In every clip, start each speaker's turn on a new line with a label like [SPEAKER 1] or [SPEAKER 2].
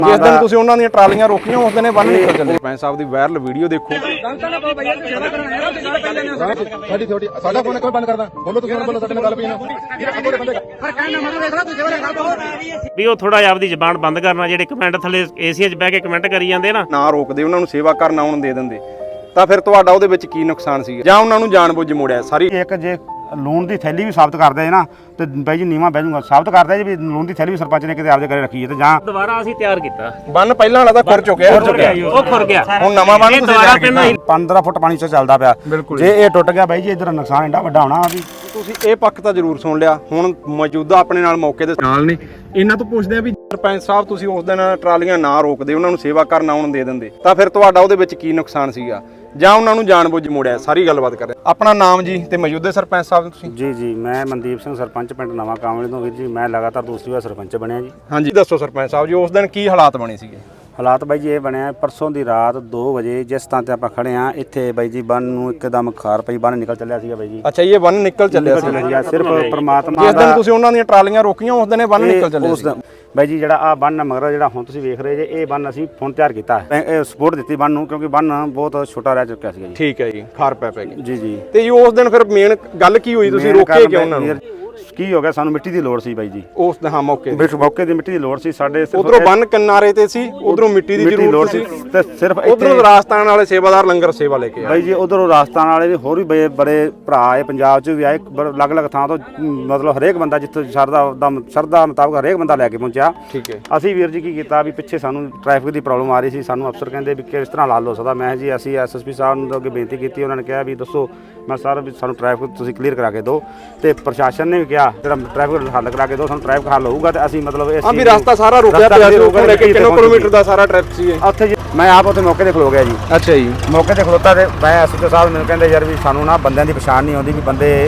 [SPEAKER 1] ਜਿਸ ਦਿਨ ਤੁਸੀਂ ਉਹਨਾਂ ਦੀਆਂ ਟਰਾਲੀਆਂ ਰੋਕੀਆਂ ਉਸ ਦਿਨ ਇਹ ਬੰਨ ਨਿਕਲ ਚੱਲੇ। ਸਰਪੰਚ ਸਾਹਿਬ ਦੀ ਵਾਇਰਲ ਵੀਡੀਓ ਦੇਖੋ।
[SPEAKER 2] ਸਾਡੀ ਛੋਟੀ ਸਾਡਾ ਫੋਨ ਕੋਈ ਬੰਦ ਕਰਦਾ ਬੋਲੋ ਤੁਸੀਂ ਬੋਲੋ ਸਾਡੇ ਨਾਲ ਗੱਲ ਪਈ ਨਾ
[SPEAKER 3] ਵੀ ਉਹ ਥੋੜਾ ਜਿਹਾ ਆਪਦੀ ਜ਼ਬਾਨ ਬੰਦ ਕਰਨਾ। ਜਿਹੜੇ ਕਮੈਂਟ ਥੱਲੇ ਏਸੀਆ 'ਚ ਬਹਿ ਕੇ ਕਮੈਂਟ ਕਰੀ ਜਾਂਦੇ ਨਾ
[SPEAKER 1] ਰੋਕਦੇ ਉਹਨਾਂ ਨੂੰ ਸੇਵਾ ਕਰਨ ਆਉਣ ਦੇ ਦਿੰਦੇ ਤਾਂ ਫਿਰ ਤੁਹਾਡਾ ਉਹਦੇ ਵਿੱਚ ਕੀ ਨੁਕਸਾਨ ਸੀਗਾ ਜਾਂ ਉਹਨਾਂ ਨੂੰ ਜਾਣਬੁੱਝ ਮੋੜਿਆ ਸਾਰੀ।
[SPEAKER 4] ਇੱਕ ਜੇ ਲੂਣ ਦੀ ਥੈਲੀ ਵੀ ਸਾਬਤ ਕਰਦੇ ਨਾ ਤੇ ਬਾਈ ਜੀ ਨੀਵਾਂ ਬਹਿ ਜੂਗਾ। ਸਾਬਤ ਕਰਦੇ ਜੀ ਵੀ ਲੂਣ ਦੀ ਥੈਲੀ ਵੀ ਸਰਪੰਚ ਨੇ ਕਿਤੇ ਆਪਦੇ ਘਰੇ ਰੱਖੀ ਹੈ ਤੇ ਜਾਂ
[SPEAKER 3] ਦੁਬਾਰਾ ਅਸੀਂ ਤਿਆਰ ਕੀਤਾ
[SPEAKER 1] ਬੰਨ ਪਹਿਲਾਂ ਵਾਲਾ ਤਾਂ ਖੁਰ ਚੁੱਕਿਆ
[SPEAKER 3] ਉਹ ਖੁਰ ਗਿਆ।
[SPEAKER 1] ਹੁਣ ਨਵਾਂ ਬੰਨ ਤੁਸੀਂ ਤਿਆਰ ਕੀਤਾ
[SPEAKER 4] 15 ਫੁੱਟ ਪਾਣੀ 'ਚ ਚੱਲਦਾ ਪਿਆ। ਜੇ ਇਹ ਟੁੱਟ ਗਿਆ ਬਾਈ ਜੀ ਇਧਰ ਨੁਕਸਾਨ ਇੰਨਾ ਵੱਡਾ ਹੋਣਾ ਵੀ।
[SPEAKER 1] ਤੁਸੀਂ ਇਹ ਪੱਖ ਤਾਂ ਜ਼ਰੂਰ ਸੁਣ ਲਿਆ। ਹੁਣ ਮੌਜੂਦਾ ਆਪਣੇ ਨਾਲ ਮੌਕੇ ਦੇ ਨਾਲ ਨੇ ਇਹਨਾਂ ਤੋਂ ਪੁੱਛਦੇ ਆ ਵੀ ਸਰਪੰਚ ਸਾਹਿਬ ਤੁਸੀਂ ਉਸ ਦਿਨ ਟਰਾਲੀਆਂ ਨਾ ਰੋਕਦੇ ਉਹਨਾਂ ਨੂੰ ਸੇਵਾ ਕਰਨ ਆਉਣ ਦੇ ਦਿੰਦੇ ਤਾਂ ਫਿਰ ਤੁਹਾਡਾ ਉਹਦੇ ਵਿੱਚ ਕੀ ਨੁਕਸਾਨ ਸੀਗਾ ਜਾਂ ਉਹਨਾਂ ਨੂੰ ਜਾਣਬੁੱਝ ਮੋੜਿਆ। ਸਾਰੀ ਗੱਲਬਾਤ ਕਰ ਰਹੇ। ਆਪਣਾ ਨਾਮ ਜੀ ਤੇ ਮੌਜੂਦਾ ਸਰਪੰਚ ਸਾਹਿਬ ਤੁਸੀਂ?
[SPEAKER 4] ਜੀ ਮੈਂ ਮਨਦੀਪ ਸਿੰਘ ਸਰਪੰਚ ਪਿੰਡ ਨਵਾਂ ਕਾਮਲੇ ਤੋਂ ਵੀਰ ਜੀ। ਮੈਂ ਲਗਾਤਾਰ ਦੂਸਰੀ ਵਾਰ ਸਰਪੰਚ ਬਣਿਆ ਜੀ।
[SPEAKER 1] ਹਾਂਜੀ ਦੱਸੋ ਸਰਪੰਚ ਸਾਹਿਬ ਜੀ ਉਸ ਦਿਨ ਕੀ ਹਾਲਾਤ ਬਣੇ ਸੀਗੇ?
[SPEAKER 4] ਹਾਲਾਤ ਬਾਈ ਜੀ ਇਹ ਬਣਿਆ ਪਰਸੋਂ ਦੀ ਰਾਤ 2 ਵਜੇ ਜਿਸ ਥਾਂ ਤੇ ਆਪਾਂ ਖੜੇ ਆ ਇੱਥੇ ਬਾਈ ਜੀ ਬੰਨ ਨੂੰ ਇੱਕਦਮ ਖਾਰ ਪਈ ਬੰਨ ਨਿਕਲ ਚੱਲਿਆ ਸੀਗਾ ਬਾਈ ਜੀ।
[SPEAKER 1] ਅੱਛਾ ਇਹ ਬੰਨ ਨਿਕਲ ਚੱਲਿਆ ਸੀ
[SPEAKER 4] ਸਿਰਫ ਪ੍ਰਮਾਤਮਾ
[SPEAKER 1] ਜਿਸ ਦਿਨ ਤੁਸੀਂ ਉਹਨਾਂ ਦੀਆਂ ਟਰਾਲੀਆਂ ਰੋਕੀਆਂ ਉਸ ਦਿਨ ਇਹ ਬੰਨ ਨਿਕਲ ਚੱਲਿਆ ਸੀ
[SPEAKER 4] ਬਾਈ ਜੀ। ਜਿਹੜਾ ਆ ਬੰਨ ਮਗਰ ਜਿਹੜਾ ਹੁਣ ਤੁਸੀਂ ਵੇਖ ਰਹੇ ਜੇ ਇਹ ਬੰਨ ਅਸੀਂ ਹੁਣ ਤਿਆਰ ਕੀਤਾ ਇਹ ਸਪੋਰਟ ਦਿੱਤੀ ਬੰਨ ਨੂੰ ਕਿਉਂਕਿ ਬੰਨ ਬਹੁਤ ਛੋਟਾ ਰਹਿ ਚੁੱਕਿਆ ਸੀਗਾ ਜੀ।
[SPEAKER 1] ਠੀਕ ਹੈ ਜੀ ਖਾਰ ਪੈ ਗਈ
[SPEAKER 4] ਜੀ
[SPEAKER 1] ਤੇ ਜੀ ਉਸ ਦਿਨ ਫਿਰ ਮੇਨ ਗੱਲ ਕੀ ਹੋਈ ਤੁਸੀਂ ਰੋਕੇ ਕਿਉਂ ਉਹਨਾਂ ਨੂੰ?
[SPEAKER 4] ਕੀ ਹੋ ਗਿਆ ਸਾਨੂੰ ਮਿੱਟੀ ਦੀ ਲੋੜ ਸੀ ਬਾਈ ਜੀ
[SPEAKER 1] ਉਸ ਹਾਂ ਮੌਕੇ
[SPEAKER 4] ਦੀ ਮਿੱਟੀ ਦੀ ਲੋੜ ਸੀ ਸਾਡੇ।
[SPEAKER 1] ਉਧਰੋਂ ਬੰਨ ਕਿਨਾਰੇ ਤੇ ਸੀ ਉਧਰੋਂ ਮਿੱਟੀ ਦੀ ਜ਼ਰੂਰਤ ਸੀ
[SPEAKER 4] ਤੇ ਸਿਰਫ
[SPEAKER 1] ਉਧਰੋਂ ਰਾਜਸਥਾਨ ਵਾਲੇ ਸੇਵਾਦਾਰ ਲੰਗਰ ਸੇਵਾ ਲੈ ਕੇ ਆਏ
[SPEAKER 4] ਬਾਈ ਜੀ। ਉਧਰੋਂ ਰਾਜਸਥਾਨ ਵਾਲੇ ਵੀ ਹੋਰ ਵੀ ਬੜੇ ਭਰਾ ਆਏ ਪੰਜਾਬ 'ਚ ਵੀ ਆਏ ਅਲੱਗ-ਅਲੱਗ ਥਾਂ ਤੋਂ ਮਤਲਬ ਹਰੇਕ ਬੰਦਾ ਜਿੱਥੇ ਸ਼ਰਧਾ ਮੁਤਾਬਕ ਹਰੇਕ ਬੰਦਾ ਲੈ ਕੇ ਪਹੁੰਚਿਆ।
[SPEAKER 1] ਠੀਕ ਹੈ।
[SPEAKER 4] ਅਸੀਂ ਵੀਰ ਜੀ ਕੀ ਕੀਤਾ ਵੀ ਪਿੱਛੇ ਸਾਨੂੰ ਟ੍ਰੈਫਿਕ ਦੀ ਪ੍ਰੋਬਲਮ ਆ ਰਹੀ ਸੀ। ਸਾਨੂੰ ਅਫਸਰ ਕਹਿੰਦੇ ਵੀ ਕਿਸ ਤਰ੍ਹਾਂ ਹੱਲ ਹੋ ਸਕਦਾ। ਮੈਂ ਜੀ ਅਸੀਂ ਐਸਐਸਪੀ ਸਾਹਿਬ ਨੂੰ ਅੱਗੇ ਬੇਨਤੀ ਕੀਤੀ। ਉਹਨਾਂ ਨੇ ਕਿਹਾ ਵੀ ਦੱਸੋ। ਮੈਂ ਸਰ ਵੀ ਸਾਨੂੰ ਟ੍ਰੈਫਿਕ ਤੁਸੀਂ ਕਲੀਅਰ ਕਰਾ ਕੇ ਦਿਓ ਤੇ ਪ੍ਰਸ਼ਾਸਨ ਨੇ ਵੀ ਕਿਹਾ ਜਿਹੜਾ ਟ੍ਰੈਫਿਕ ਹੱਲ ਕਰਾ ਕੇ ਦਿਓ ਸਾਨੂੰ ਟ੍ਰੈਫਿਕ ਹੱਲ ਹੋਊਗਾ ਤੇ ਅਸੀਂ ਮਤਲਬ ਇਹ
[SPEAKER 1] ਵੀ ਰਸਤਾ ਸਾਰਾ ਰੁਕਿਆ ਪਿਆ ਸੀ। ਉਹ ਲੈ ਕੇ 3 ਕਿਲੋਮੀਟਰ ਦਾ ਸਾਰਾ ਟ੍ਰੈਫਿਕ ਸੀ
[SPEAKER 4] ਉੱਥੇ ਜੀ। ਮੈਂ ਆਪ ਉੱਥੇ ਮੌਕੇ ਤੇ ਖਲੋ ਗਿਆ ਜੀ।
[SPEAKER 1] ਅੱਛਾ ਜੀ।
[SPEAKER 4] ਮੌਕੇ ਤੇ ਖਲੋਤਾ ਤੇ ਮੈਂ ਐਸਐਸਪੀ ਸਾਹਿਬ ਮੈਨੂੰ ਕਹਿੰਦੇ ਯਾਰ ਵੀ ਸਾਨੂੰ ਨਾ ਬੰਦਿਆਂ ਦੀ ਪਛਾਣ ਨਹੀਂ ਆਉਂਦੀ ਵੀ ਬੰਦੇ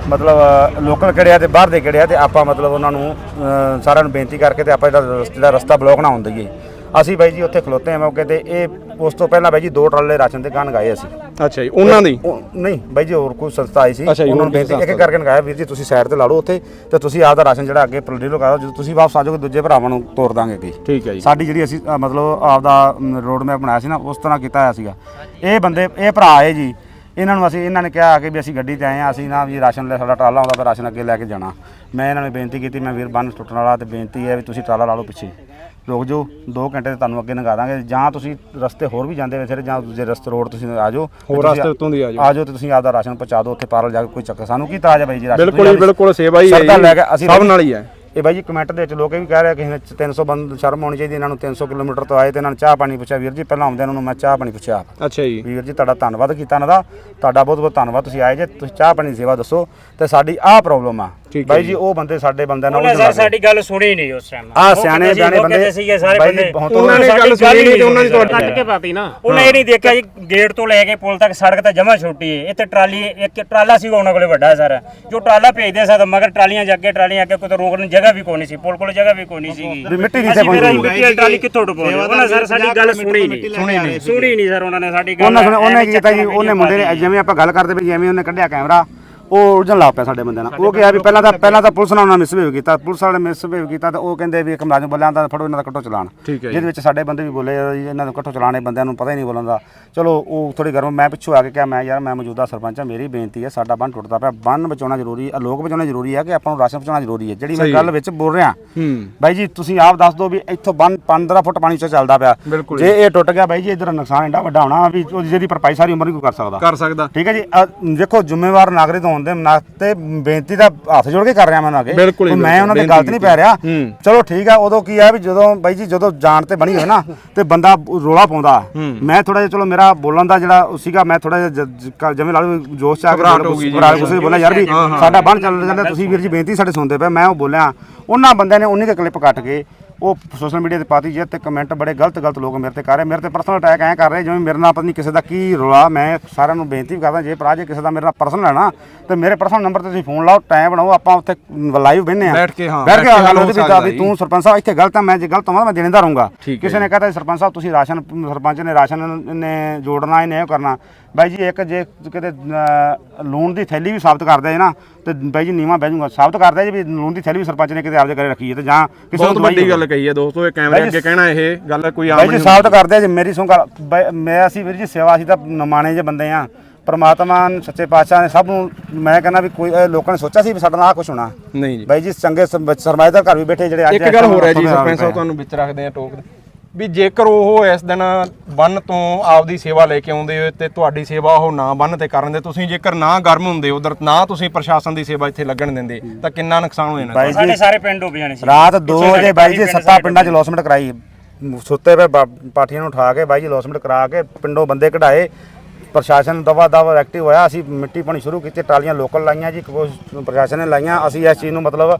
[SPEAKER 4] ਮਤਲਬ ਲੋਕਲ ਕਿਹੜੇ ਆ ਤੇ ਬਾਹਰ ਦੇ ਕਿਹੜੇ ਆ ਤੇ ਆਪਾਂ ਮਤਲਬ ਉਹਨਾਂ ਨੂੰ ਸਾਰਿਆਂ ਨੂੰ ਬੇਨਤੀ ਕਰਕੇ ਤੇ ਆਪਾਂ ਜਿਹੜਾ ਰਸਤਾ ਬਲੌਕ ਨਾ ਹੋਣ ਦਈਏ। ਅਸੀਂ ਬਾਈ ਜੀ ਉੱਥੇ ਖਲੋਤੇ ਆ ਮੌਕੇ ਤੇ। ਇਹ ਉਸ ਤੋਂ ਪਹਿਲਾਂ ਬਾਈ ਜੀ 2 ਟਰਾਲੇ ਰਾਸ਼ਨ ਦੇ ਗਾਣ ਗਾਏ ਅਸੀਂ।
[SPEAKER 1] ਅੱਛਾ ਜੀ। ਉਹਨਾਂ ਦੀ
[SPEAKER 4] ਨਹੀਂ ਬਾਈ ਜੀ ਹੋਰ ਕੋਈ ਸੰਸਥਾ ਆਈ ਸੀ ਉਹਨਾਂ ਨੂੰ ਬੇਨਤੀ ਇੱਕ ਕਰਕੇ ਲਗਾਇਆ ਵੀਰ ਜੀ ਤੁਸੀਂ ਸਾਈਡ ਤੇ ਲਾ ਲਓ ਉੱਥੇ ਤੇ ਤੁਸੀਂ ਆਪਦਾ ਰਾਸ਼ਨ ਜਿਹੜਾ ਅੱਗੇ ਪ੍ਰੋਡੀਲ ਕਰੋ। ਜਦੋਂ ਤੁਸੀਂ ਵਾਪਸ ਆ ਜਾਓਗੇ ਦੂਜੇ ਭਰਾਵਾਂ ਨੂੰ ਤੋਰ ਦਾਂਗੇ ਅੱਗੇ।
[SPEAKER 1] ਠੀਕ ਹੈ ਜੀ।
[SPEAKER 4] ਸਾਡੀ ਜਿਹੜੀ ਅਸੀਂ ਮਤਲਬ ਆਪਦਾ ਰੋਡ ਮੈਪ ਬਣਾਇਆ ਸੀ ਨਾ ਉਸ ਤਰ੍ਹਾਂ ਕੀਤਾ ਹੋਇਆ ਸੀਗਾ। ਇਹ ਬੰਦੇ ਇਹ ਭਰਾ ਆਏ ਜੀ। ਇਹਨਾਂ ਨੇ ਕਿਹਾ ਕਿ ਵੀ ਅਸੀਂ ਗੱਡੀ ਤੇ ਆਏ ਆ ਅਸੀਂ ਨਾ ਵੀ ਰਾਸ਼ਨ ਲੈ ਸਾਡਾ ਟਰਾਲਾ ਆਉਂਦਾ ਫਿਰ ਰਾਸ਼ਨ ਅੱਗੇ ਲੈ ਕੇ ਜਾਣਾ। ਮੈਂ ਇਹਨਾਂ ਨੂੰ ਬੇਨਤੀ ਕੀਤੀ ਮੈਂ ਵੀਰ ਬੰਨ ਟੁੱਟਣ ਵਾਲਾ ਤੇ ਬੇਨਤੀ ਹੈ ਵੀ ਤੁਸੀਂ ਟਰਾਲਾ ਲਾ ਲਓ ਪਿੱਛੇ ਰੁਕ ਜਾਓ 2 ਘੰਟੇ ਤੇ ਤੁਹਾਨੂੰ ਅੱਗੇ ਲੰਘਾ ਦਾਂਗੇ। ਜਾਂ ਤੁਸੀਂ ਰਸਤੇ ਹੋਰ ਵੀ ਜਾਂਦੇ ਫਿਰ ਜਾਂ ਦੂਜੇ ਰਸਤੇ ਰੋਡ ਤੁਸੀਂ ਆ ਜਾਓ
[SPEAKER 1] ਹੋਰ ਰਸਤੇ ਉੱਤੋਂ ਦੀ ਆ
[SPEAKER 4] ਜਾਓ ਤੇ ਤੁਸੀਂ ਆਪਦਾ ਰਾਸ਼ਨ ਪਹੁੰਚਾ ਦਿਓ ਉੱਥੇ ਪਾਰਲ ਜਾ ਕੇ। ਕੋਈ ਚੱਕਰ ਸਾਨੂੰ ਕੀ ਤਾਜ ਹੈ ਬਾਈ ਜੀ ਰਾਸ਼ਨ
[SPEAKER 1] ਬਿਲਕੁਲ ਸੇਵਾ ਹੀ ਹੈ
[SPEAKER 4] ਲੈ ਕੇ ਅਸੀਂ
[SPEAKER 1] ਸਭ ਨਾਲ ਹੀ ਹੈ।
[SPEAKER 4] ਇਹ ਬਾਈ ਜੀ ਕਮੈਂਟ ਦੇ ਵਿੱਚ ਲੋਕ ਇਹ ਵੀ ਕਹਿ ਰਹੇ ਕਿਸੇ ਨੇ 300 ਬੰਦ ਸ਼ਰਮ ਹੋਣੀ ਚਾਹੀਦੀ ਇਹਨਾਂ ਨੂੰ। 300 ਕਿਲੋਮੀਟਰ ਤੋਂ ਆਏ ਤੇ ਇਹਨਾਂ ਨੂੰ ਚਾਹ ਪਾਣੀ ਪੁੱਛਿਆ। ਵੀਰ ਜੀ ਪਹਿਲਾਂ ਆਉਂਦੇ ਇਹਨਾਂ ਨੂੰ ਮੈਂ ਚਾਹ ਪਾਣੀ ਪੁੱਛਿਆ।
[SPEAKER 1] ਅੱਛਾ ਜੀ।
[SPEAKER 4] ਵੀਰ ਜੀ ਤੁਹਾਡਾ ਧੰਨਵਾਦ ਕੀਤਾ ਇਹਨਾਂ ਦਾ। ਤੁਹਾਡਾ ਬਹੁਤ ਬਹੁਤ ਧੰਨਵਾਦ। ਤੁਸੀਂ ਆਏ ਜੇ ਤੁਸੀਂ ਚਾਹ ਪਾਣੀ ਦੀ ਸੇਵਾ ਦੱਸੋ ਤੇ ਸਾਡੀ ਆਹ ਪ੍ਰੋਬਲਮ ਆ ਬਾਈ ਜੀ। ਉਹ ਬੰਦੇ ਸਾਡੇ ਬੰਦਿਆਂ ਨਾਲ
[SPEAKER 3] ਸਰ ਸਾਡੀ ਗੱਲ ਸੁਣੀ ਨਹੀਂ ਉਸ ਟਾਈਮ।
[SPEAKER 4] ਆ ਸਿਆਣੇ ਬਿਆਣੇ ਬੰਦੇ
[SPEAKER 3] ਸੀਗੇ ਸਾਰੇ ਬੰਦੇ।
[SPEAKER 1] ਉਹਨਾਂ ਨੇ ਗੱਲ ਸੁਣੀ ਨਹੀਂ ਤੇ ਉਹਨਾਂ ਨੇ ਤੁਹਾਡੇ
[SPEAKER 3] ਕੱਟ ਕੇ ਪਾਤੀ ਨਾ। ਉਹਨੇ ਇਹ ਨਹੀਂ ਦੇਖਿਆ ਜੀ ਗੇਟ ਤੋਂ ਲੈ ਕੇ ਪੁਲ ਤੱਕ ਸੜਕ ਤਾਂ ਜਮਾ ਛੋਟੀ ਹੈ। ਇੱਥੇ ਟਰਾਲੀ ਇੱਕ ਟਰਾਲਾ ਸੀ ਉਹਨਾਂ ਕੋਲੇ ਵੱਡਾ ਸਾਰਾ ਜੋ ਟਰਾਲਾ ਭੇਜਦੇ ਸਾ ਮਗਰ ਟਰਾਲੀਆਂ ਅੱਗੇ ਕੋਈ ਰੋਕਣ ਜਗ੍ਹਾ ਵੀ ਕੋਈ ਨਹੀਂ ਸੀ। ਪੁਲ ਕੋਲ ਜਗ੍ਹਾ ਵੀ ਕੋਈ ਨਹੀਂ ਸੀ।
[SPEAKER 4] ਮਿੱਟੀ ਦੀ
[SPEAKER 3] ਮਿੱਟੀ ਟਰਾਲੀ ਕਿੱਥੋਂ ਟਪਾਉਣੀ? ਉਹਨਾਂ ਸਰ ਸਾਡੀ ਗੱਲ ਸੁਣੀ ਨਹੀਂ ਸਰ ਉਹਨਾਂ ਨੇ ਸਾਡੀ ਗੱਲ।
[SPEAKER 4] ਉਹਨੇ ਕੀ ਕੀਤਾ ਜੀ ਉਹਨੇ ਮੁੰਡੇ ਨੇ ਜਿਵੇਂ ਆਪਾਂ ਗੱਲ ਕਰਦੇ ਵੀ ਜਿਵੇਂ ਉਹਨੇ ਕੱਢਿਆ ਕੈਮਰਾ ਉਹ ਉਲਝਣ ਲੱਗ ਪਿਆ ਸਾਡੇ ਬੰਦਿਆਂ ਨਾਲ। ਉਹ ਕਿਹਾ ਵੀ ਪਹਿਲਾਂ ਤਾਂ ਪੁਲਿਸ ਨਾਲ ਉਹਨਾਂ ਮਿਸਬਿਹੇਵ ਕੀਤਾ। ਪੁਲਿਸ ਵਾਲੇ ਮਿਸਬਿਹੇਵ ਕੀਤਾ ਤਾਂ ਉਹ ਕਹਿੰਦੇ ਵੀ ਇੱਕ ਮੁਲਾਜ਼ਮ ਬੋਲਿਆ ਤਾਂ ਫੜੋ ਇਹਨਾਂ ਦਾ ਕੱਟੋ ਚਲਾਣ। ਜਿਹਦੇ ਵਿੱਚ ਸਾਡੇ ਬੰਦੇ ਵੀ ਬੋਲੇ ਜੀ ਇਹਨਾਂ ਨੂੰ ਕੱਟੋ ਚਲਾਣੇ ਬੰਦਿਆਂ ਨੂੰ ਪਤਾ ਹੀ ਨਹੀਂ ਬੋਲਣ ਦਾ। ਚਲੋ ਉਹ ਥੋੜੀ ਗਰਮ ਮੈਂ ਪਿੱਛੋਂ ਆ ਕੇ ਕਿਹਾ ਮੈਂ ਯਾਰ ਮੈਂ ਮੌਜੂਦਾ ਸਰਪੰਚ ਹਾਂ ਮੇਰੀ ਬੇਨਤੀ ਹੈ ਸਾਡਾ ਬੰਨ ਟੁੱਟਦਾ ਪਿਆ। ਬੰਨ ਬਚਾਉਣਾ ਜ਼ਰੂਰੀ ਹੈ ਲੋਕ ਬਚਾਉਣਾ ਜ਼ਰੂਰੀ ਹੈ ਕਿ ਆਪਾਂ ਨੂੰ ਰਾਸ਼ਨ ਪਹੁੰਚਾਉਣਾ ਜ਼ਰੂਰੀ ਹੈ। ਜਿਹੜੀ ਮੈਂ ਗੱਲ ਵਿੱਚ ਬੋਲ ਰਿਹਾ ਬਾਈ ਜੀ ਤੁਸੀਂ ਆਪ ਦੱਸ ਦਿਓ ਵੀ ਇੱਥੋਂ ਬੰਨ 15 ਫੁੱਟ ਪਾਣੀ 'ਚ ਚੱਲਦਾ ਪਿਆ। ਜੇ ਇਹ ਟੁੱਟ ਗਿਆ ਬਾਈ ਜੀ ਇੱਧਰ ਨੁਕਸਾਨ ਇੰਨਾ ਵੱਡਾ ਹੋਣਾ ਵੀ ਜਿਹਦੀ ਭਰਪਾਈ ਸਾਰੀ ਉਮਰ ਨਹੀਂ ਕੋਈ ਕਰ ਸਕਦਾ। ਠੀਕ ਹੈ ਜੀ। ਦੇਖੋ ਜ਼ਿੰਮੇਵਾਰ ਨਾਗਰਿਕ ਹੋਣ ਦੇ ਨਾਤੇ ਬੇਨਤੀ ਦਾ ਹੱਥ ਜੋੜ ਕੇ ਕਰ ਰਿਹਾ ਮੈਂ ਅੱਗੇ। ਮੈਂ ਉਹਨਾਂ ਦੀ ਗਲਤ ਨਹੀਂ ਪੈ ਰਿਹਾ। ਚਲੋ ਠੀਕ ਆ। ਉਦੋਂ ਕੀ ਆ ਵੀ ਜਦੋਂ ਬਾਈ ਜੀ ਜਦੋਂ ਜਾਣ ਤੇ ਬਣੀ ਹੋਏ ਨਾ ਤੇ ਬੰਦਾ ਰੋਲਾ ਪਾਉਂਦਾ। ਮੈਂ ਥੋੜਾ ਜਿਹਾ ਚਲੋ ਮੇਰਾ ਬੋਲਣ ਦਾ ਜਿਹੜਾ ਸੀਗਾ ਮੈਂ ਥੋੜਾ ਜਿਹਾ ਜਿਵੇਂ ਲਾ ਲਓ ਜੋਸ਼ ਚ ਆ ਕੇ ਬੋਲਿਆ ਯਾਰ ਵੀ ਸਾਡਾ ਬੰਨ ਚੱਲ ਜਾਂਦਾ ਤੁਸੀਂ ਵੀਰ ਜੀ ਬੇਨਤੀ ਸਾਡੇ ਸੁਣਦੇ ਪਏ। ਮੈਂ ਉਹ ਬੋਲਿਆ ਉਹਨਾਂ ਬੰਦਿਆਂ ਨੇ ਉਨੀ ਕੁ ਕਲਿੱਪ ਕੱਟ ਕੇ ਉਹ ਸੋਸ਼ਲ ਮੀਡੀਆ ਤੇ ਪਾਤੀ ਜੇ ਤੇ ਕਮੈਂਟ ਬੜੇ ਗਲਤ ਲੋਕ ਮੇਰੇ ਤੇ ਕਰ ਰਹੇ। ਮੇਰੇ ਤੇ ਪਰਸਨਲ ਅਟੈਕ ਐਂ ਕਰ ਰਹੇ ਜਿਵੇਂ ਮੇਰੇ ਨਾਲ ਪਤਾ ਨਹੀਂ ਕਿਸੇ ਦਾ ਕੀ ਰੌਲਾ। ਮੈਂ ਸਾਰਿਆਂ ਨੂੰ ਬੇਨਤੀ ਕਰਦਾ ਜੇ ਭਰਾ ਜੇ ਕਿਸੇ ਦਾ ਮੇਰੇ ਨਾਲ ਪਰਸਨਲ ਹੈ ਨਾ ਤੇ ਮੇਰੇ ਪਰਸਨਲ ਨੰਬਰ ਤੇ ਤੁਸੀਂ ਫੋਨ ਲਾਓ ਟਾਈਮ ਬਣਾਓ ਆਪਾਂ ਉੱਥੇ ਲਾਈਵ ਬਹਿੰਦੇ ਆ ਬੈਠ ਕੇ ਗੱਲ ਉਹਦੀ ਵੀ ਤੂੰ ਸਰਪੰਚ ਸਾਹਿਬ ਇੱਥੇ ਗਲਤ ਆ ਮੈਂ ਜੇ ਗਲਤ ਹਾਂ ਮੈਂ ਦੇਣਦਾ ਰਹੂੰਗਾ। ਕਿਸੇ ਨੇ ਕਹਤਾ ਸਰਪੰਚ ਸਾਹਿਬ ਤੁਸੀਂ ਰਾਸ਼ਨ ਸਰਪੰਚ ਨੇ ਰਾਸ਼ਨ ਨੇ ਜੋੜਨਾ ਇਹਨੇ ਇਹ ਕਰਨਾ ਬਾਈ ਜੀ ਇੱਕ ਜੇ ਕਿਤੇ ਲੂਣ ਦੀ ਥੈਲੀ ਵੀ ਸਾਬਤ ਕਰਦਾ ਹੈ ਨਾ ਤੇ ਬਾਈ ਜੀ ਨੀਵਾਂ ਬਹਿ ਜਾਊਗਾ। ਸਾਬਤ ਕਰਦਾ ਜੀ ਵੀ ਲੂਣ ਦੀ ਥੈਲੀ ਵੀ ਸਰਪੰਚ ਨੇ ਕਿਤੇ ਆਪਦੇ ਘਰੇ ਰੱਖੀ ਹੈ ਤੇ ਜਾਂ ਕਿਸੇ
[SPEAKER 1] ਬਹੁਤ ਵੱਡੀ ਗੱਲ ਕਹੀ ਹੈ ਦੋਸਤੋ, ਇਹ ਕੈਮਰੇ ਅੱਗੇ ਕਹਿਣਾ ਇਹ ਗੱਲ ਕੋਈ ਆਮ
[SPEAKER 4] ਬਾਈ
[SPEAKER 1] ਨਹੀਂ
[SPEAKER 4] ਜੀ ਸਾਬਤ ਕਰਦੇ ਜੀ। ਮੇਰੀ ਸੁਣ ਗੱਲ, ਮੈਂ ਅਸੀਂ ਵੀਰ ਜੀ ਸੇਵਾ, ਅਸੀਂ ਤਾਂ ਨਮਾਣੇ ਜੇ ਬੰਦੇ ਆ। ਪਰਮਾਤਮਾ ਸੱਚੇ ਪਾਤਸ਼ਾਹ ਨੇ ਸਭ ਨੂੰ, ਮੈਂ ਕਹਿੰਦਾ ਵੀ ਕੋਈ ਲੋਕਾਂ ਨੇ ਸੋਚਿਆ ਸੀ ਵੀ ਸਾਡਾ ਨਾਲ ਆਹ ਕੁਛ ਹੋਣਾ
[SPEAKER 1] ਨਹੀਂ ਜੀ।
[SPEAKER 4] ਬਾਈ ਜੀ ਚੰਗੇ ਸਰਮਾਏਦਾਰ ਘਰ ਵੀ ਬੈਠੇ ਜਿਹੜੇ ਅੱਜ
[SPEAKER 1] ਇੱਕ ਗੱਲ ਹੋਰ ਹੈ ਜੀ ਸਰਪੰਚ ਸਾਹਿਬ, ਤੁਹਾਨੂੰ ਵਿੱਚ ਰੱਖਦੇ ਆ ਟੋਕ ਵੀ ਜੇਕਰ ਉਹ ਇਸ ਦਿਨ ਬੰਨ ਤੋਂ ਆਪਦੀ ਸੇਵਾ ਲੈ ਕੇ ਆਉਂਦੇ ਹੋ ਤੇ ਤੁਹਾਡੀ ਸੇਵਾ ਉਹ ਨਾ ਬੰਨ ਤੇ ਕਰਨ ਦੇ, ਤੁਸੀਂ ਜੇਕਰ ਨਾ ਗਰਮ ਹੁੰਦੇ ਉਧਰ, ਨਾ ਤੁਸੀਂ ਪ੍ਰਸ਼ਾਸਨ ਦੀ ਸੇਵਾ ਇੱਥੇ ਲੱਗਣ ਦਿੰਦੇ ਤਾਂ ਕਿੰਨਾ ਨੁਕਸਾਨ ਹੋ ਜਾਣਾ।
[SPEAKER 3] ਸਾਡੇ ਸਾਰੇ ਪਿੰਡ ਡੁੱਬ ਜਾਣੇ ਸੀ।
[SPEAKER 4] ਰਾਤ 2 ਵਜੇ ਬਾਈ ਜੀ 7 ਪਿੰਡਾਂ 'ਚ ਲੌਸਮੈਂਟ ਕਰਾਈ, ਸੁੱਤੇ ਪਏ ਪਾਠੀਆਂ ਨੂੰ ਉਠਾ ਕੇ ਬਾਈ ਜੀ ਲੌਸਮੈਂਟ ਕਰਾ ਕੇ ਪਿੰਡੋਂ ਬੰਦੇ ਕਢਾਏ। ਪ੍ਰਸ਼ਾਸਨ ਦਵਾ ਦਵਾ ਐਕਟਿਵ ਹੋਇਆ। ਅਸੀਂ ਮਿੱਟੀ ਪਾਣੀ ਸ਼ੁਰੂ ਕੀਤੀ, ਟਰਾਲੀਆਂ ਲੋਕਲ ਲਾਈਆਂ ਜੀ, ਪ੍ਰਸ਼ਾਸਨ ਨੇ ਲਾਈਆਂ। ਅਸੀਂ ਇਸ ਚੀਜ਼ ਨੂੰ ਮਤਲਬ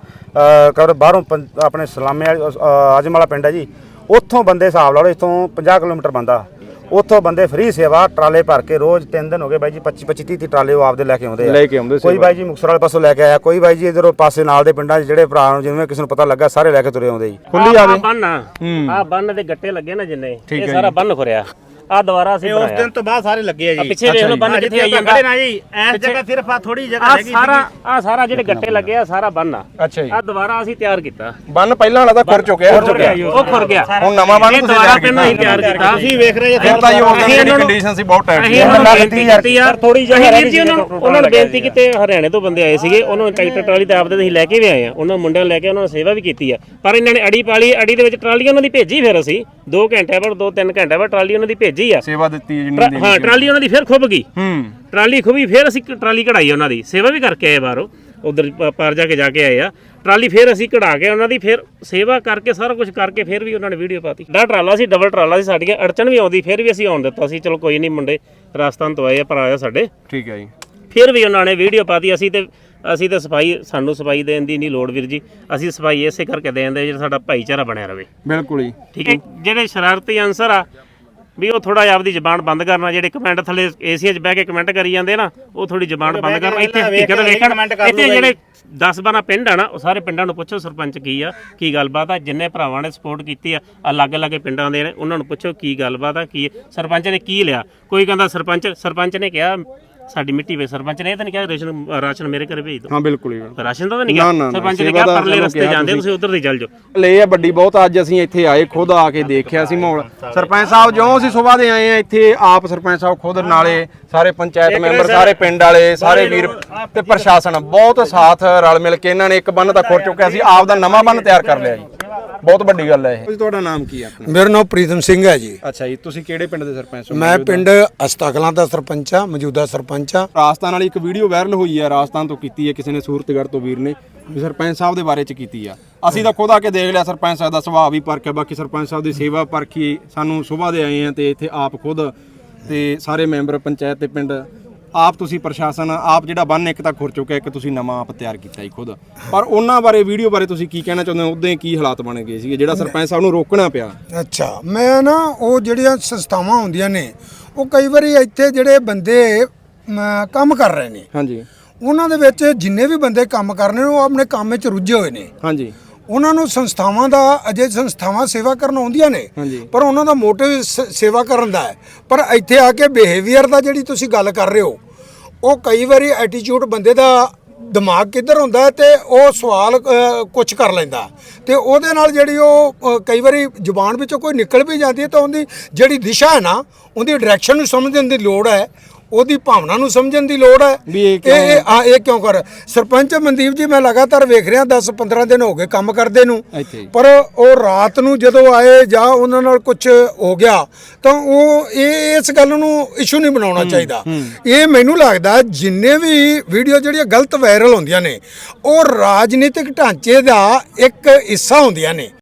[SPEAKER 4] ਕਰ ਬਾਹਰੋਂ ਆਪਣੇ ਸਲਾਮੇ ਆਜਮ ਵਾਲਾ ਪਿੰਡ ਹੈ ਜੀ, ਉੱਥੋਂ ਬੰਦੇ ਹਿਸਾਬ ਲਾ ਲਓ, ਇੱਥੋਂ 50 ਕਿਲੋਮੀਟਰ ਬੰਦਾ, ਉੱਥੋਂ ਬੰਦੇ ਫ੍ਰੀ ਸੇਵਾ ਟਰਾਲੇ ਭਰ ਕੇ ਰੋਜ਼ 3 ਦਿਨ ਹੋ ਗਏ ਬਾਈ ਜੀ, 25 30 ਟਰਾਲੇ ਉਹ ਆਪਦੇ ਲੈ ਕੇ ਆਉਂਦੇ ਆ। ਕੋਈ ਬਾਈ ਜੀ ਮੁਕਤਸਰ ਵਾਲੇ ਪਾਸੋਂ ਲੈ ਕੇ ਆਇਆ, ਕੋਈ ਬਾਈ ਜੀ ਇਧਰੋਂ ਪਾਸੇ ਨਾਲ ਦੇ ਪਿੰਡਾਂ 'ਚ ਜਿਹੜੇ ਭਰਾ ਨੂੰ ਜਿਵੇਂ ਕਿਸੇ ਨੂੰ ਪਤਾ ਲੱਗਾ ਸਾਰੇ ਲੈ ਕੇ ਤੁਰੇ ਆਉਂਦੇ ਜੀ।
[SPEAKER 1] ਖੁੱਲੀ ਆਵੇ
[SPEAKER 3] ਬੰਨ ਆ ਬੰਨ ਦੇ ਗੱਟੇ ਲੱਗੇ ਨਾ ਜਿੰਨੇ, ਇਹ ਸਾਰਾ ਬੰਨ ਖੁਰਿਆ। ਆ ਦੁਬਾਰਾ ਅਸੀਂ
[SPEAKER 5] ਉਸ ਦਿਨ ਤੋਂ ਬਾਅਦ ਸਾਰੇ ਲੱਗੇ ਆ ਜੀ।
[SPEAKER 3] ਪਿੱਛੇ ਵੇਖ ਲਓ ਬੰਨ ਕਿੱਥੇ ਆਈ ਜਾਂਦਾ
[SPEAKER 5] ਨਾ ਜੀ, ਇਸ ਜਗ੍ਹਾ ਸਿਰਫ ਆ ਥੋੜੀ ਜਗ੍ਹਾ ਹੈਗੀ।
[SPEAKER 3] ਆ ਸਾਰਾ ਜਿਹੜੇ ਗੱਟੇ ਲੱਗੇ ਆ ਸਾਰਾ ਬੰਨ ਆ।
[SPEAKER 1] ਅੱਛਾ ਜੀ।
[SPEAKER 3] ਆ ਦੁਬਾਰਾ ਅਸੀਂ ਤਿਆਰ ਕੀਤਾ।
[SPEAKER 1] ਬੰਨ ਪਹਿਲਾਂ ਵਾਲਾ ਤਾਂ ਖੁਰ ਚੁੱਕਿਆ,
[SPEAKER 3] ਉਹ ਖੁਰ ਗਿਆ।
[SPEAKER 1] ਹੁਣ ਨਵਾਂ ਬੰਨ ਤੁਸੀਂ
[SPEAKER 3] ਦੁਬਾਰਾ ਪਹਿਲਾਂ ਹੀ ਤਿਆਰ ਕੀਤਾ।
[SPEAKER 5] ਤੁਸੀਂ ਵੇਖ ਰਹੇ
[SPEAKER 1] ਫਿਰ ਤਾਂ ਇਹ ਉਹਨਾਂ ਦੀ ਕੰਡੀਸ਼ਨ ਸੀ ਬਹੁਤ ਟਾਈਟ ਸੀ।
[SPEAKER 3] ਅਸੀਂ ਉਹਨਾਂ ਨੂੰ ਬੇਨਤੀ ਕੀਤੀ ਆ ਥੋੜੀ ਜਿਹੀ ਵੀਰ ਜੀ, ਉਹਨਾਂ ਨੂੰ ਬੇਨਤੀ ਕੀਤੀ। ਹਰਿਆਣੇ ਤੋਂ ਬੰਦੇ ਆਏ ਸੀਗੇ, ਉਹਨਾਂ ਨੂੰ ਟਰੈਕਟਰ ਟਰਾਲੀ ਤੇ ਆਪਦੇ ਅਸੀਂ ਲੈ ਕੇ ਵੀ ਆਏ ਆ, ਉਹਨਾਂ ਮੁੰਡਿਆਂ ਨੂੰ ਲੈ ਕੇ ਉਹਨਾਂ ਨੇ ਸੇਵਾ ਵੀ ਕੀਤੀ ਆ। ਪਰ ਇਹਨਾਂ ਨੇ ਅੜੀ ਪਾਲੀ, ਅੜੀ ਦੇ ਵਿੱਚ ਟਰਾਲੀ ਉਹਨਾਂ ਦੀ ਭੇਜੀ। ਫਿਰ ਅਸੀਂ 2 ਘੰਟੇ ਬਾਅਦ 2-3 ਘੰਟੇ ਬਾਅਦ ਟਰਾਲੀ ਉਹਨਾਂ ਦੀ ਭੇਜੀ ਆ।
[SPEAKER 1] ਸੇਵਾ ਦਿੱਤੀ
[SPEAKER 3] ਹਾਂ ਟਰਾਲੀ ਉਹਨਾਂ ਦੀ ਫਿਰ ਖੁੱਭ ਗਈ। ਟਰਾਲੀ ਖੁੱਭੀ, ਫਿਰ ਅਸੀਂ ਟਰਾਲੀ ਕਢਾਈ ਉਹਨਾਂ ਦੀ, ਸੇਵਾ ਵੀ ਕਰਕੇ ਆਏ ਬਾਹਰੋਂ, ਉਧਰ ਪਾਰ ਜਾ ਕੇ ਆਏ ਆ। ਟਰਾਲੀ ਫਿਰ ਅਸੀਂ ਕਢਾ ਕੇ ਉਹਨਾਂ ਦੀ ਫਿਰ ਸੇਵਾ ਕਰਕੇ ਸਾਰਾ ਕੁਝ ਕਰਕੇ ਫਿਰ ਵੀ ਉਹਨਾਂ ਨੇ ਵੀਡੀਓ ਪਾਤੀ। ਡਾ ਟਰਾਲਾ ਸੀ, ਡਬਲ ਟਰਾਲਾ ਸੀ, ਸਾਡੀਆਂ ਅੜਚਣ ਵੀ ਆਉਂਦੀ ਫਿਰ ਵੀ ਅਸੀਂ ਆਉਣ ਦਿੱਤਾ ਸੀ। ਚਲੋ ਕੋਈ ਨਹੀਂ, ਮੁੰਡੇ ਰਾਜਸਥਾਨ ਤੋਂ ਆਏ ਆ, ਭਰਾ ਆ ਸਾਡੇ।
[SPEAKER 1] ਠੀਕ ਹੈ ਜੀ।
[SPEAKER 3] ਫਿਰ ਵੀ ਉਹਨਾਂ ਨੇ ਵੀਡੀਓ ਪਾਤੀ। ਅਸੀਂ ਤੇ ਸਫਾਈ, ਸਾਨੂੰ ਸਫਾਈ ਦੇਣ ਦੀ ਨਹੀਂ ਲੋੜ ਵੀਰ ਜੀ, ਅਸੀਂ ਸਫਾਈ ਇਸੇ ਕਰਕੇ ਦੇਂਦੇ ਜਿਹੜਾ ਸਾਡਾ ਭਾਈਚਾਰਾ ਬਣਿਆ ਰਵੇ।
[SPEAKER 1] ਬਿਲਕੁਲ ਹੀ
[SPEAKER 3] ਠੀਕ ਹੈ। ਜਿਹੜੇ ਸ਼ਰਾਰਤੀ ਅਨਸਰ ਆ ਵੀ ਉਹ ਥੋੜਾ ਜਿਹਾ ਆਪਦੀ ਜ਼ਬਾਨ ਬੰਦ ਕਰਨਾ। ਜਿਹੜੇ ਕਮੈਂਟ ਥੱਲੇ ਏਸੀਆ 'ਚ ਬਹਿ ਕੇ ਕਮੈਂਟ ਕਰੀ ਜਾਂਦੇ ਨਾ, ਉਹ ਥੋੜੀ ਜ਼ਬਾਨ ਬੰਦ ਕਰਨਾ। ਇੱਥੇ ਹਕੀਕਤ ਵੇਖਣ, ਇੱਥੇ ਜਿਹੜੇ 10-12 ਪਿੰਡ ਆ ਨਾ, ਉਹ ਸਾਰੇ ਪਿੰਡਾਂ ਨੂੰ ਪੁੱਛੋ ਸਰਪੰਚ ਕੀ ਆ, ਕੀ ਗੱਲਬਾਤ ਆ। ਜਿੰਨੇ ਭਰਾਵਾਂ ਨੇ ਸਪੋਰਟ ਕੀਤੀ ਆ ਅਲੱਗ-ਅਲੱਗ ਪਿੰਡਾਂ ਦੇ ਨੇ, ਉਹਨਾਂ ਨੂੰ ਪੁੱਛੋ ਕੀ ਗੱਲਬਾਤ ਆ, ਕੀ ਸਰਪੰਚ ਨੇ ਕੀ ਲਿਆ। ਕੋਈ ਕਹਿੰਦਾ ਸਰਪੰਚ ਨੇ ਕਿਹਾ ਸਾਡੀ ਮਿੱਟੀ ਵੇ, ਸਰਪੰਚ ਨੇ ਇਹ ਤਾਂ ਨਹੀਂ ਕਿਹਾ ਰਾਸ਼ਨ ਮੇਰੇ ਘਰੇ ਭੇਜ ਦਿਓ।
[SPEAKER 1] ਹਾਂ ਬਿਲਕੁਲ ਹੀ,
[SPEAKER 3] ਰਾਸ਼ਨ ਦਾ ਤਾਂ ਨਹੀਂ ਕਿਹਾ। ਸਰਪੰਚ ਨੇ ਕਿਹਾ ਪਰਲੇ ਰਸਤੇ ਜਾਂਦੇ ਤੁਸੀਂ ਉਧਰ ਦੀ ਚੱਲ ਜਾਓ।
[SPEAKER 1] ਲੈ ਆ ਵੱਡੀ ਬਹੁਤ। ਅੱਜ ਅਸੀਂ ਇੱਥੇ ਆਏ, ਖੁਦ ਆ ਕੇ ਦੇਖਿਆ ਸੀ ਮਾਹੌਲ। ਸਰਪੰਚ ਸਾਹਿਬ ਜਿਉਂ ਅਸੀਂ ਸਵੇਰ ਦੇ ਆਏ ਆ ਇੱਥੇ, ਆਪ ਸਰਪੰਚ ਸਾਹਿਬ ਖੁਦ, ਨਾਲੇ ਸਾਰੇ ਪੰਚਾਇਤ ਮੈਂਬਰ, ਸਾਰੇ ਪਿੰਡ ਵਾਲੇ, ਸਾਰੇ ਵੀਰ ਤੇ ਪ੍ਰਸ਼ਾਸਨ ਬਹੁਤ ਸਾਥ ਰਲ ਮਿਲ ਕੇ ਇਹਨਾਂ ਨੇ ਇੱਕ ਬੰਨ ਤਾਂ ਖੁਰ ਚੁੱਕਿਆ ਸੀ, ਆਪ ਦਾ ਨਵਾਂ ਬੰਨ ਤਿਆਰ ਕਰ ਲਿਆ ਜੀ। ਬਹੁਤ ਵੱਡੀ ਗੱਲ ਹੈ ਇਹ। ਤੁਹਾਡਾ ਨਾਮ ਕੀ ਹੈ ਆਪਣਾ?
[SPEAKER 6] ਮੇਰਾ ਨਾਮ ਪ੍ਰੀਤਮ ਸਿੰਘ ਹੈ ਜੀ।
[SPEAKER 1] ਅੱਛਾ ਜੀ, ਤੁਸੀਂ ਕਿਹੜੇ ਪਿੰਡ ਦੇ ਸਰਪੰਚ ਹੋ?
[SPEAKER 6] ਮੈਂ ਪਿੰਡ ਅਸਤਾਕਲਾਂ ਦਾ ਸਰਪੰਚ ਆ, ਮੌਜੂਦਾ ਸਰਪੰਚ ਆ।
[SPEAKER 1] ਰਾਜਸਥਾਨ ਵਾਲੀ ਇੱਕ ਵੀਡੀਓ ਵਾਇਰਲ ਹੋਈ ਹੈ, ਰਾਜਸਥਾਨ ਤੋਂ ਕੀਤੀ ਹੈ ਕਿਸੇ ਨੇ, ਸੂਰਤਗੜ੍ਹ ਤੋਂ ਵੀਰ ਨੇ, ਵੀ ਸਰਪੰਚ ਸਾਹਿਬ ਦੇ ਬਾਰੇ ਚ ਕੀਤੀ ਆ। ਅਸੀਂ ਤਾਂ ਖੁਦ ਆ ਕੇ ਦੇਖ ਲਿਆ, ਸਰਪੰਚ ਸਾਹਿਬ ਦਾ ਸੁਭਾਅ ਵੀ ਪਰਖਿਆ, ਬਾਕੀ ਸਰਪੰਚ ਸਾਹਿਬ ਦੀ ਸੇਵਾ ਪਰਖੀ। ਸਾਨੂੰ ਸਵੇਰ ਦੇ ਆਏ ਆ ਤੇ ਇੱਥੇ ਆਪ ਖੁਦ ਤੇ ਸਾਰੇ ਮੈਂਬਰ ਪੰਚਾਇਤ ਤੇ ਪਿੰਡ ਆਪ, ਤੁਸੀਂ ਪ੍ਰਸ਼ਾਸਨ ਆਪ, ਜਿਹੜਾ ਬੰਨ ਇੱਕ ਤਾਂ ਖੁਰ ਚੁੱਕਿਆ, ਇੱਕ ਤੁਸੀਂ ਨਵਾਂ ਆਪ ਤਿਆਰ ਕੀਤਾ ਜੀ ਖੁਦ। ਪਰ ਉਹਨਾਂ ਬਾਰੇ, ਵੀਡੀਓ ਬਾਰੇ ਤੁਸੀਂ ਕੀ ਕਹਿਣਾ ਚਾਹੁੰਦੇ ਹੋ? ਉਦੋਂ ਕੀ ਹਾਲਾਤ ਬਣ ਗਏ ਸੀਗੇ ਜਿਹੜਾ ਸਰਪੰਚ ਸਾਹਿਬ ਨੂੰ ਰੋਕਣਾ ਪਿਆ?
[SPEAKER 6] ਅੱਛਾ, ਮੈਂ ਨਾ ਉਹ ਜਿਹੜੀਆਂ ਸੰਸਥਾਵਾਂ ਹੁੰਦੀਆਂ ਨੇ, ਉਹ ਕਈ ਵਾਰੀ ਇੱਥੇ ਜਿਹੜੇ ਬੰਦੇ ਕੰਮ ਕਰ ਰਹੇ ਨੇ,
[SPEAKER 1] ਹਾਂਜੀ,
[SPEAKER 6] ਉਹਨਾਂ ਦੇ ਵਿੱਚ ਜਿੰਨੇ ਵੀ ਬੰਦੇ ਕੰਮ ਕਰ ਰਹੇ ਨੇ, ਉਹ ਆਪਣੇ ਕੰਮ ਵਿੱਚ ਰੁੱਝੇ ਹੋਏ ਨੇ।
[SPEAKER 1] ਹਾਂਜੀ,
[SPEAKER 6] ਉਹਨਾਂ ਨੂੰ ਸੰਸਥਾਵਾਂ ਦਾ, ਅਜੇ ਸੰਸਥਾਵਾਂ ਸੇਵਾ ਕਰਨ ਆਉਂਦੀਆਂ ਨੇ, ਪਰ ਉਹਨਾਂ ਦਾ ਮੋਟਿਵ ਸੇਵਾ ਕਰਨ ਦਾ ਹੈ। ਪਰ ਇੱਥੇ ਆ ਕੇ ਬਿਹੇਵੀਅਰ ਦਾ ਜਿਹੜੀ ਤੁਸੀਂ ਗੱਲ ਕਰ ਰਹੇ ਹੋ, ਉਹ ਕਈ ਵਾਰੀ ਐਟੀਟਿਊਡ ਬੰਦੇ ਦਾ ਦਿਮਾਗ ਕਿੱਧਰ ਹੁੰਦਾ ਤੇ ਉਹ ਸਵਾਲ ਕੁਝ ਕਰ ਲੈਂਦਾ, ਤੇ ਉਹਦੇ ਨਾਲ ਜਿਹੜੀ ਉਹ ਕਈ ਵਾਰੀ ਜ਼ੁਬਾਨ ਵਿੱਚੋਂ ਕੋਈ ਨਿਕਲ ਵੀ ਜਾਂਦੀ ਹੈ, ਤਾਂ ਉਹਦੀ ਜਿਹੜੀ ਦਿਸ਼ਾ ਹੈ ਨਾ, ਉਹਦੀ ਡਾਇਰੈਕਸ਼ਨ ਨੂੰ ਸਮਝਣ ਦੀ ਲੋੜ ਹੈ, ਉਹਦੀ ਭਾਵਨਾ ਨੂੰ ਸਮਝਣ ਦੀ ਲੋੜ ਹੈ
[SPEAKER 1] ਵੀ
[SPEAKER 6] ਇਹ ਕਿਉਂ ਕਰ। ਸਰਪੰਚ ਮਨਦੀਪ ਜੀ, ਮੈਂ ਲਗਾਤਾਰ ਵੇਖ ਰਿਹਾ 10-15 ਦਿਨ ਹੋ ਗਏ ਕੰਮ ਕਰਦੇ ਨੂੰ, ਪਰ ਉਹ ਰਾਤ ਨੂੰ ਜਦੋਂ ਆਏ ਜਾਂ ਉਹਨਾਂ ਨਾਲ ਕੁਝ ਹੋ ਗਿਆ ਤਾਂ ਉਹ ਇਸ ਗੱਲ ਨੂੰ ਇਸ਼ੂ ਨਹੀਂ ਬਣਾਉਣਾ ਚਾਹੀਦਾ। ਇਹ ਮੈਨੂੰ ਲੱਗਦਾ ਜਿੰਨੇ ਵੀ ਵੀਡੀਓ ਜਿਹੜੀਆਂ ਗਲਤ ਵਾਇਰਲ ਹੁੰਦੀਆਂ ਨੇ, ਉਹ ਰਾਜਨੀਤਿਕ ਢਾਂਚੇ ਦਾ ਇੱਕ ਹਿੱਸਾ ਹੁੰਦੀਆਂ ਨੇ।